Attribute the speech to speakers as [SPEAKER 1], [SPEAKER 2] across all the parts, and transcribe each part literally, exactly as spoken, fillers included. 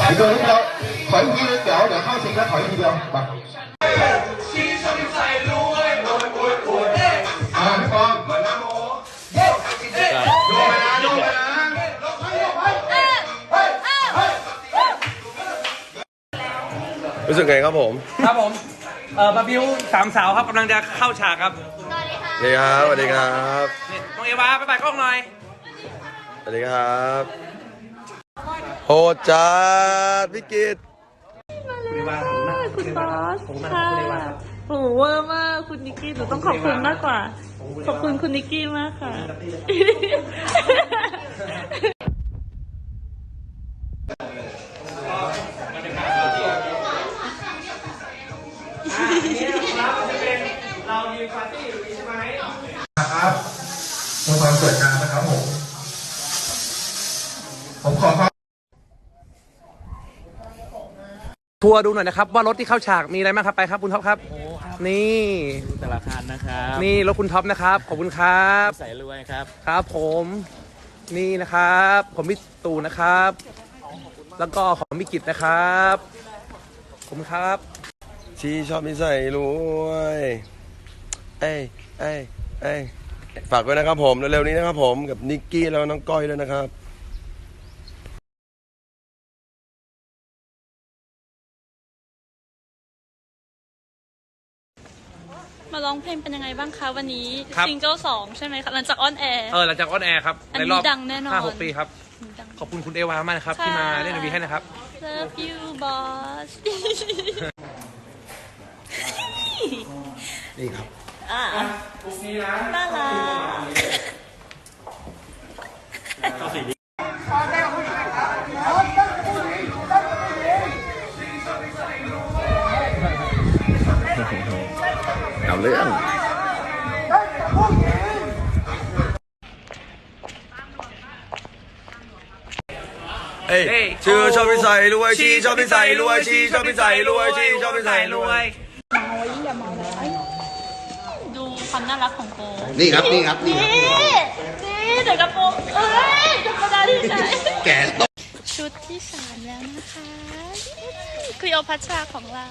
[SPEAKER 1] 你個呢個腿衣有兩開始嘅腿衣嘅，嗱。啊，你講。
[SPEAKER 2] รู้สึกไงครับผม
[SPEAKER 3] ครับผมเอ่อมาบิวสามสาวครับกำลังจะเข้าฉากครับ
[SPEAKER 2] สวัสดีครับสวัสดีครับ
[SPEAKER 3] น้องเอวาไปไปกล้องหน่อย
[SPEAKER 2] สวัสดีครับโหดจัดพี่กิต
[SPEAKER 4] คุณบอสค่ะโหเวอร์มากคุณนิกกี้หนูต้องขอบคุณมากกว่าขอบคุณคุณนิกกี้มากค่ะ
[SPEAKER 3] เรายืนปาร์ตี้อยู่ใช่ไหม
[SPEAKER 1] ครับเป็นความเกิดการนะครับผมผมขอความ
[SPEAKER 3] ทัวร์ดูหน่อยนะครับว่ารถที่เข้าฉากมีอะไรบ้างครับไปครับคุณท็อปครับนี่
[SPEAKER 5] แต่ละคันนะครับ
[SPEAKER 3] นี่รถคุณท็อปนะครับขอบคุณครับ
[SPEAKER 5] ใส่รวยครับ
[SPEAKER 3] ครับผมนี่นะครับผมมิตูนะครับ แล้วก็ของมิกิตนะครับผมครับ
[SPEAKER 2] ชีชอบนิสัยรวยเอ้ยเอ้ยเอ้ยฝากไว้นะครับผมเร็วๆนี้นะครับผมกับนิกกี้แล้วน้องก้อยด้วยนะครับ
[SPEAKER 4] มาร้องเพลงเป็นยังไงบ้างคะวันนี้ซิงเกิลสองใช่ไหมคะหลังจากออนแอร์
[SPEAKER 3] เออหลังจากออนแอร์ครับ
[SPEAKER 4] ในรอบดังแน่นอน
[SPEAKER 3] ห้าหกปีครับขอบคุณคุณเอวามากนะครับที่มาเล่นดนตรีให้นะครับ
[SPEAKER 4] Love you boss
[SPEAKER 2] นี่ครับ
[SPEAKER 4] อ่าน่ารัก
[SPEAKER 2] เอาเรื่องเอ้ยชื่อชอบนิสัยรวยชีชอบนิสัยรวยชีชอบนิสัยรวยชีชอบนิสัยรวย
[SPEAKER 4] ดูความน่ารักของโก
[SPEAKER 1] นี่ครับนี่ครับนี่
[SPEAKER 4] นี่นี่เดี๋ยวกระโปรงเอ้ยธรรมดาที่ไหน
[SPEAKER 1] แก่ตก
[SPEAKER 4] ชุดที่สามแล้วนะคะคลีโอพัชราของเรา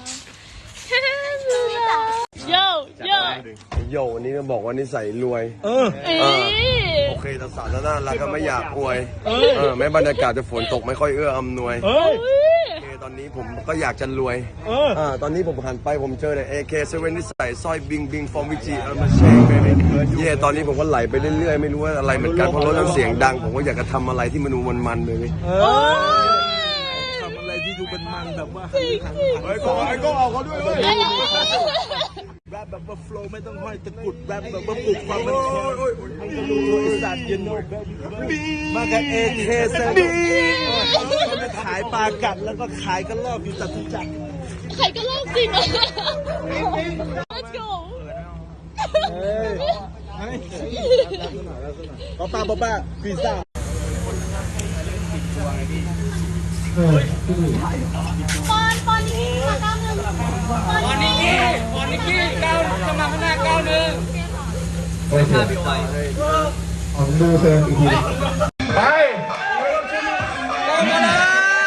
[SPEAKER 4] โยโย
[SPEAKER 2] โยวันนี้ก็บอกว่านิสัยรวย
[SPEAKER 3] เออ
[SPEAKER 2] โอเคแต่สาวน่ารักก็ไม่อยากอวยเออแม้บรรยากาศจะฝนตกไม่ค่อยเอื้ออำนวยโอเคตอนนี้ผมก็อยากจะรวยอ่าตอนนี้ผมหันไปผมเจอแต่ เอ เค เซเว่น นิสัยสร้อยบิงบิงฟอร์มวิจิเออมาเชงเบบี้เย่ตอนนี้ผมก็ไหลไปเรื่อยๆไม่รู้ว่าอะไรเหมือนกันเพราะรถมันเสียงดังผมก็อยากจะทำอะไรที่มันดูมันๆเลย
[SPEAKER 5] ทำอะไรที่ดูเป็นมันแบบว่า
[SPEAKER 2] ไอ้ก็ไอ้ก็เอาเขาด้วยเลย
[SPEAKER 5] แรปแบบว่าโฟล์ไม่ต้องห้อยตะกุดแรปแบบว่าปลุกความมันคอยมันก็รู้ไอ้สัตว์เย็นโน่มากับเอเคเซบีมันขายปลากัดแล้วก็ขายกระรอกอยู่จตุจักร
[SPEAKER 4] ขายกระรอกจริงเหรอ Let's go
[SPEAKER 5] ป้าป้าป้าป้าพิซซ่า
[SPEAKER 4] ปอนปอนนี่มาเก้าหนึ่งปอนนี่
[SPEAKER 3] ปอนนิกกี้เก้าจะมาข้างหน้าเก้าหนึ่ง
[SPEAKER 1] โอเคผมดูเพลงอีกทีไป
[SPEAKER 3] มาแล้ว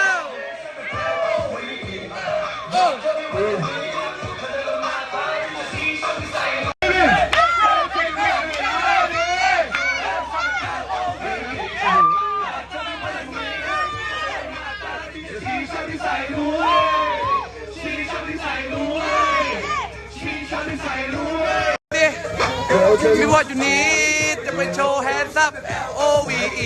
[SPEAKER 3] พี่วอดอยู่นี้จะไปโชว์แฮนด์ซับ โอ วี อี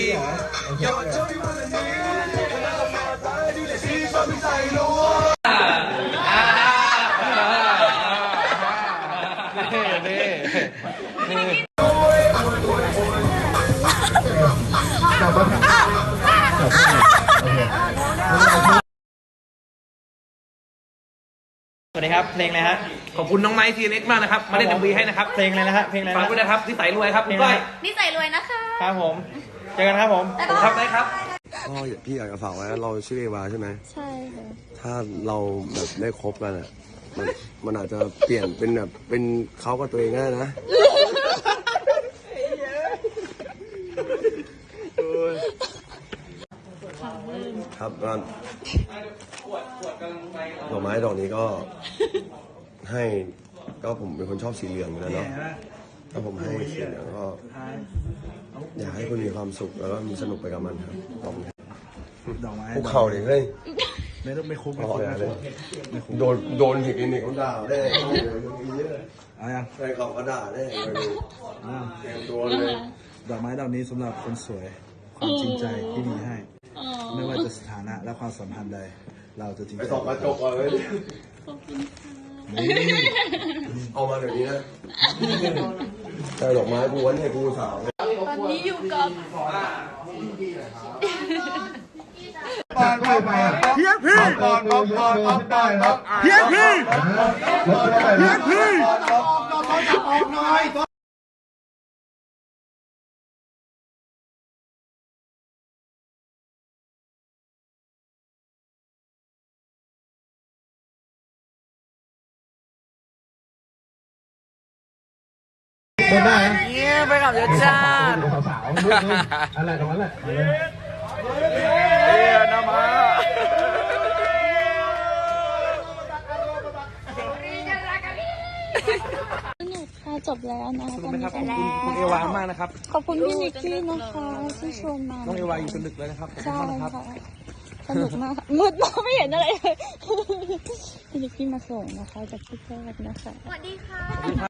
[SPEAKER 5] สวัสดีครับเพลงอะไรฮะ
[SPEAKER 3] ขอบคุณน้องไนท์ทีเอ็กซ์มากนะครับมาเล่นดนตรีให้นะครับ
[SPEAKER 5] เพลงอะไรนะฮะเพลงอะไร
[SPEAKER 3] ฝากด้วยนะครับนิสัยรวยครับคุณก้อย
[SPEAKER 4] นิสัยรวยนะคะ
[SPEAKER 5] ครับผมเจอกันครับผม
[SPEAKER 3] ผมครับได้ครับ
[SPEAKER 2] ก็พี่อยากจะฝากไว้เราชื่อเอวาใช่ไหม
[SPEAKER 4] ใช่ค่ะ
[SPEAKER 2] ถ้าเราแบบได้คบกันอ่ะมันมันอาจจะเปลี่ยนเป็นแบบเป็นเขากับตัวเองได้นะครับก็ดอกไม้ดอกนี้ก็ให้ก็ผมเป็นคนชอบสีเหลืองอยู่แล้วเนาะถ้าผมให้สีเหลืองก็อยากให้คุณมีความสุขแล้วก็มีสนุกไปกับมันครับขอบคุณ
[SPEAKER 5] ดอกไม้
[SPEAKER 2] ภูเขาดิเฮ้ย
[SPEAKER 5] ไม่ต้องไม่คุ้ม
[SPEAKER 2] ไม่
[SPEAKER 5] ไม่
[SPEAKER 2] คุ้
[SPEAKER 5] คุ้
[SPEAKER 2] ม
[SPEAKER 5] มไม่คุ้ม
[SPEAKER 2] โดนโดนผิดอินิกเขาด่าได้
[SPEAKER 5] เอายัง
[SPEAKER 2] ใครเขาก็ด่าได้ไปดูเตรียมตัวเลย
[SPEAKER 5] ดอกไม้ดอกนี้สำหรับคนสวย ความจริงใจที่มีให้
[SPEAKER 4] อ๋อ
[SPEAKER 5] ไม่ว่าจะสถานะและความสัมพันธ์ใด เราจะจริง
[SPEAKER 2] ไป
[SPEAKER 5] ใจ
[SPEAKER 2] ส่องกระจกเลย
[SPEAKER 4] ขอบคุณค่ะ
[SPEAKER 2] เอามาเดี๋ยวนี้นะใช่ดอกไม้กูวันให้กูสาว
[SPEAKER 4] ตอนนี้อยู่กับ
[SPEAKER 1] ก่อนไปอ่ะ
[SPEAKER 5] เพียงพี่
[SPEAKER 1] ก่อนก่อนก่อนก่อนก่อนครับ
[SPEAKER 5] เพียงพี่
[SPEAKER 1] เพียงพี่ คนได้นะ
[SPEAKER 3] เนี่ยไปกับยศชาติ
[SPEAKER 1] สาวๆอะไรตรงนั้นแหละ
[SPEAKER 3] เรียนามา
[SPEAKER 4] สนุกค่ะจบแล้วนะ
[SPEAKER 3] ขอบ
[SPEAKER 4] ตอ
[SPEAKER 3] คุ
[SPEAKER 4] น
[SPEAKER 3] ณ
[SPEAKER 4] นี้
[SPEAKER 3] นะครับ
[SPEAKER 4] จบ
[SPEAKER 3] ขอบคุณ
[SPEAKER 4] แล้ว
[SPEAKER 3] คุณเอวามากนะครับ
[SPEAKER 4] ขอบคุณพี่นิกกี้นะคะที่ชวนมา
[SPEAKER 3] น้องเอวาอยู่จนดึกเลยนะครับขอบคุณ
[SPEAKER 4] ใช่
[SPEAKER 3] มากนะครับ
[SPEAKER 4] ค่ะสนุกมากค่ะมืดมากไม่เห็นอะไรเลยพี่นิกกี้มาส่งนะคะจากที่แรกนะคะ
[SPEAKER 3] สวัสดีครับ